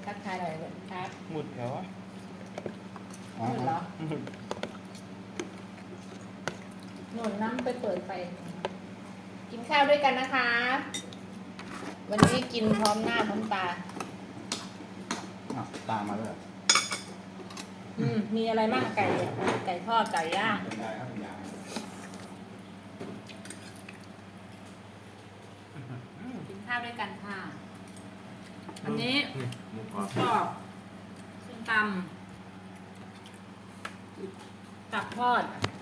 ทักทายหน่อยครับหมุดแล้ววะหนุนเหรอหนุนน้ำไปเปิดไฟกินข้าวด้วยกันนะคะ วันนี้กินพร้อมหน้าพร้อมตาตามมาด้วยมีอะไรบ้างไก่ทอดไก่ย่างเป็นไงครับเป็นไงกินข้าวด้วยกันค่ะวันนี้หมูกหรมูอบกรอบส้มตำตับทอด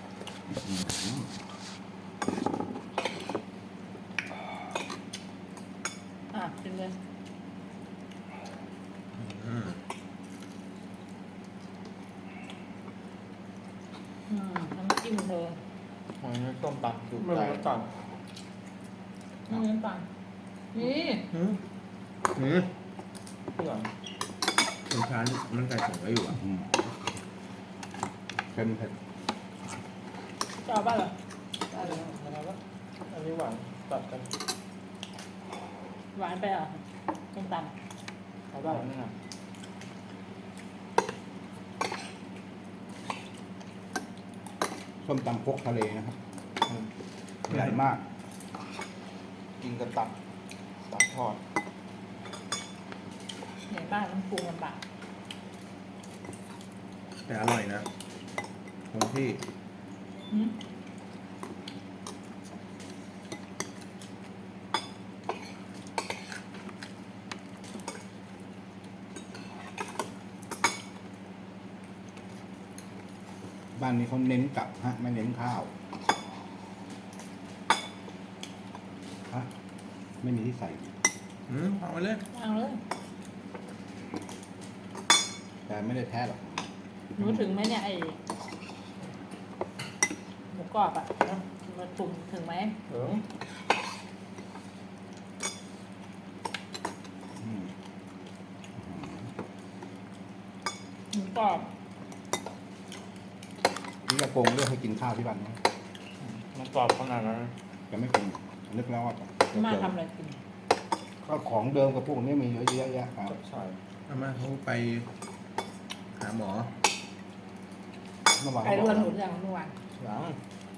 กินเลยน้ำจิ้มเธอวันนี้ต้มตำจุกไม่ใจรู้ตัดนี่น้ำตาลนี่นี่เพื่อนเป็นชั้นมันใส่ถุงไว้อยู่อ่ะเค็มเผ็ดจะเอาบ้างเหรออะไรวะอันนี้หวานตัดกันหวานไปเหรอส้มตเอาได้นี่นะส้มตำครกทะเลนะครับใหญ่มากกินกับตับทอดำเหนื่อยบ้านมันปรุงลำบากแต่อร่อยนะคงที่หืมบ้านนี้เขาเน้นกับฮะไม่เน้นข้าวฮะไม่มีที่ใส่เอามาเลยวางเลยแต่ไม่ได้แท้หรอกหนูถึงไหมเนี่ยไอหมูกรอบอ่ะมาถุงถึงไหมถึงอืมหมูกรอบนี่กระโกงเลือกให้กินข้าวที่บ้านนะมันกรอบขนาดนั้นจะไม่คงนึกแล้วว่ามาทำอะไรกินก็ของเดิมกับพวกนี้มีเยอะแยะครับใช่อาม่าเขาไปหาหมอเมื่อวานไก่เขารบวอน กหมูอย่างเมื่อวานหลัง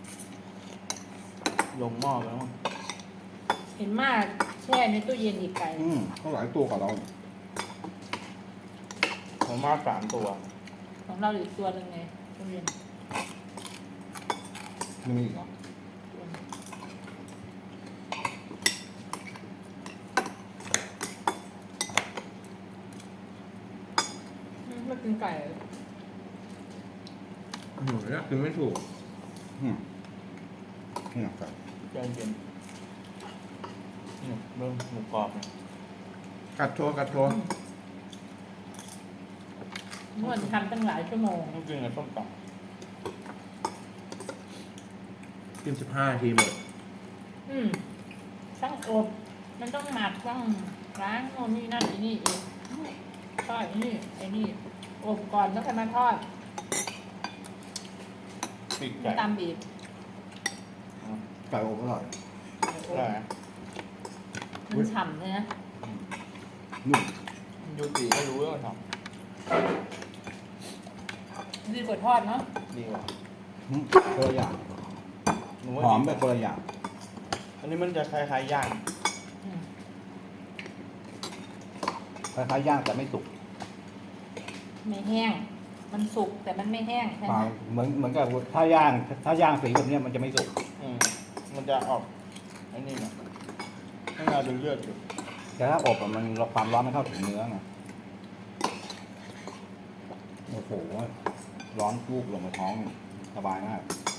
ลงหม้อไปแล้วมั้งเห็นมากแช่ในตู้เย็นอีกไก่เขาหลายตัวกว่าเราผมมา3 ตัวของเราอีกตัวหนึ่งไงตู้เย็นไม่มีอีกเหรอไม่กินไก่หนูเนี่ยคือไม่ถูกนี่ครับใจเย็นนี่เริ่มหมูกรอบเนี่ยกัดโชว์กัดโชว์นวดทำตั้งหลายชั่วโมงต้องกินกับส้มตกิน15 นาทีหมดต้องอบมันต้องหมักต้องล้างโน่นนี่นั่นไอ้นี่อีกทอดไอ้นี่อบก่อนแล้วค่อยมาทอดำปีกไก่ตำอีกไก่อบอร่อยได้ไหมมันฉ่ำเลยนะนุ่มยูตีก็รู้ว่าทดีกว่าทอดเนาะำดีกว่าคนละอย่างหนูว่าหอมดีแบบคนละอย่างอันนี้มันจะคล้ายๆย่างอืมคล้ายๆย่างแต่ไม่สุกไม่แห้ง มันสุกแต่มันไม่แห้งใช่ไหมเหมือนกับถ้าย่างสีแบบเนี้ยมันจะไม่สุกมันจะออกอันนี้นะให้เราดูเลือดอยู่แต่ถ้าอบอะมันความร้อนไม่เข้าถึงเนื้อไงโอ้โหร้อนลูกลงมาท้องสบายมาก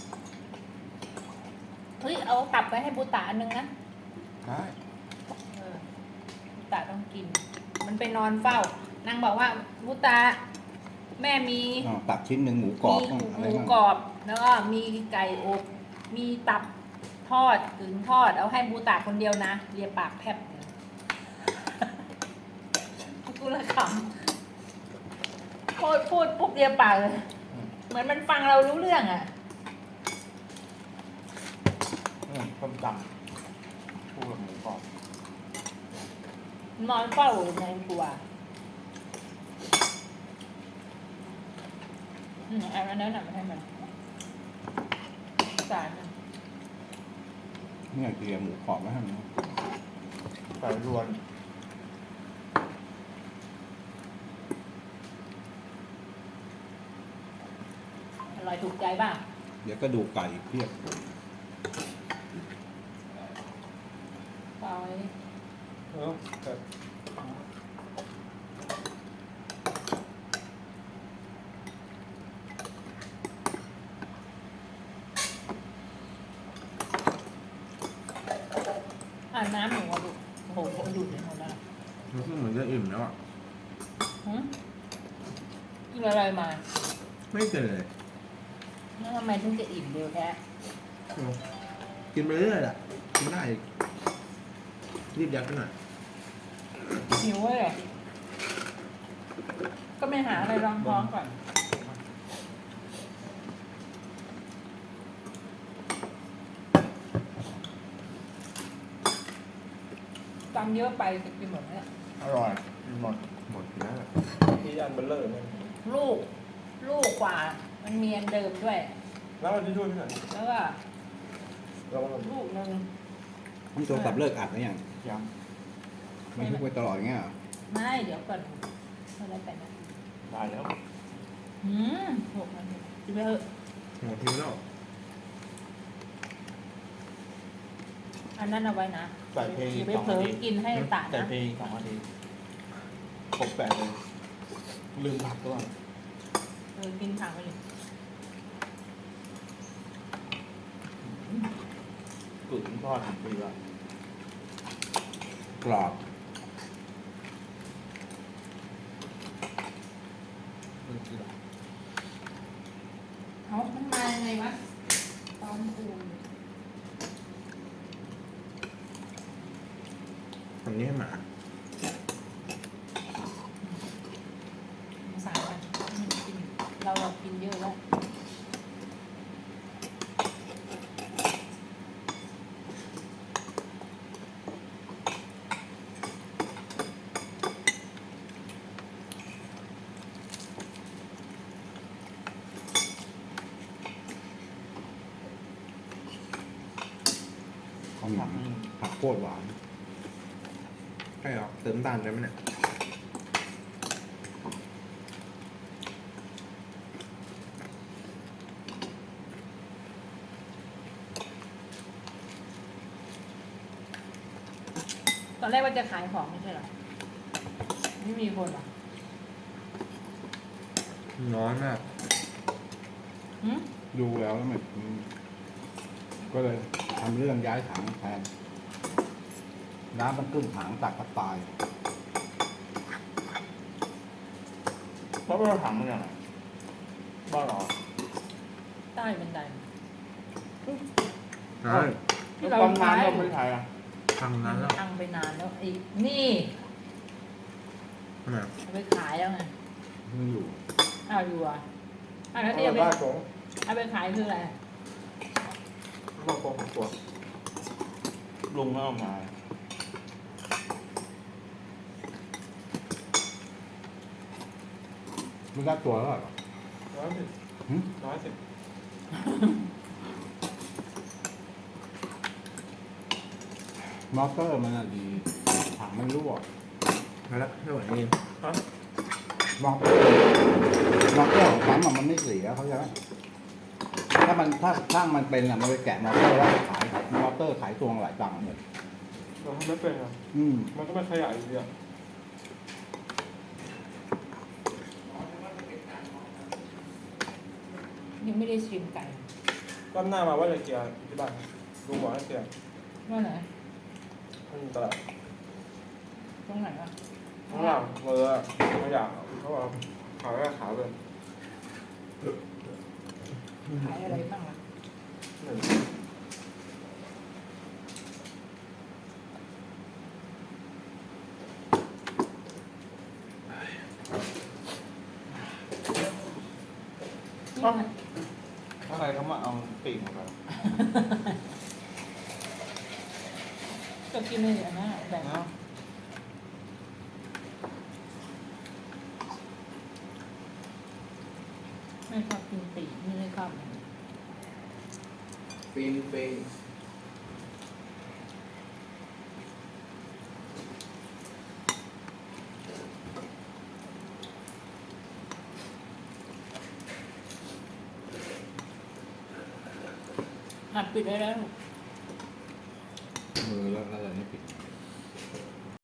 เฮ้ยเอาตับไปให้บูตาอันนึงนะใช่บูตาต้องกิน มันไปนอนเฝ้านางบอกว่าบูตาแม่มีตับชิ้นหนึ่งหมูกรอบมีอะหไรมูบ้างกรอบ แล้วก็มีไก่อบมีตับทอดกึ่งทอด เอาให้บูตาคนเดียวนะเลียปากแพบเลยกูละขำพูดปุ๊บเลียปากเลย เหมือนมันฟังเรารู้เรื่องอ่ะส้มตำคู่กับหมูกรอบนอนเฝ้าอยู่ในครัวเอาอันนั้นมาให้มันจานหนึ่งเนี่ยเกลี่ยหมูกรอบไว้ให้มันใส่รวนอร่อยถูกใจบ้างเดี๋ยวก็ดูไก่เพียบปล่อยแต่น้ำหนูอะดูโอ้โหดูดเลยหมดแล้วรู้สึกเหมือนจะอิ่มแล้วอ่ะกินอะไรมาไม่เกินเลยแล้วทำไมถึงจะอิ่มเร็วแท้กินไปเรื่อยแหละกินได้อีกรีบยัดไปหน่อยหิวเลยก็ไม่หาอะไรรองท้องก่อนตำเยอะไปจะกินหมดเนี่ยอร่อยกินหมดหมดแล้วที่อันเบลเลอร์เนี่ยลูกกว่ามันมีอันเดิมด้วยแล้วมันจะช่วยที่ไหนแล้วก็เราก็ลูกหนึ่งมันโทรศัพท์เลิกอัดหรือยังยังมันทุกไปตลอดอย่างเงี้ยเหรอไม่เดี๋ยวก่อนอะไรไปนะได้แล้ว 6 นาทีกินไปเถอะหมดทีแล้วอันนั้นเอาไว้นะใส่เพลงอย่าไป 2 เผลนาอทีกินให้ตาใส่นะเพลง2 นาทีครบ8เลยลืมผักด้วยกินผักไปเลยกึ่งทอดถึงปีละกรอบเอามันมายังไงวะตอนปูนทำนี้ให้หมาสายกันกินเรากินเยอะแล้วของหนังผักโคตรหวานใช่หรอเติมน้ำตาลได้ไหมเนี่ยตอนแรกว่าจะขายของไม่ใช่เหรอไม่มีคนเหรอน้อยมากดูแล้วมันก็เลยทำเรื่องย้ายถังแทนน้ำมันขึ้นถังตักกระตายแล้วเราถังมันยังไงบ้านเราใต้บันไดใช่ที่แล้วเราความนานขายเราไม่ได้ใช้อ่ะทำมันั้นนแล้วพังไปนานแล้วไอ้นี่ทำไมเอาไปขายแล้วไงมันอยู่อ้าวอยู่อ่ะอ้าวแล้วที่เอาเอาไปได้ตรงเอาไปขายคืออะไรมาโกงตัวลุงไม่เอามามันได้ตัวแล้วเหรอ 110 หึ 110 มอเตอร์มันอะดีถังมันรั่วมาแล้วไม่ไหวจริงฮะมอเตอร์ของปั๊มอะมันไม่เสียเขาใจไหมถ้าช่างมันเป็นอะมันไปแกะมอเตอร์แล้วขายมอเตอร์ขายตัวหลายตังค์หมดเราทำไม่เป็นอ่ะอืมมันก็ไม่ขยายอยู่ดีอ่ะยังไม่ได้ชิมไก่รอบหน้ามาว่าจะเกียร์ที่บ้านลุงบอกให้เกียร์ว่าไหนมันตลาดตรงไหนอ่ะข้างหลังเรือขยะเขาบอกขายก็ขายเลยขายอะไรบ้างล่ะหนึ่งนี่มันถ้าใครเขามาเอาปีกมาไปก็กินเลยอันนั้นอะแบ่งนะไม่ชอบกินปีกไม่ชอบฟินฟินหัดปิดได้แล้วมือแล้วอะไรนี่ปิด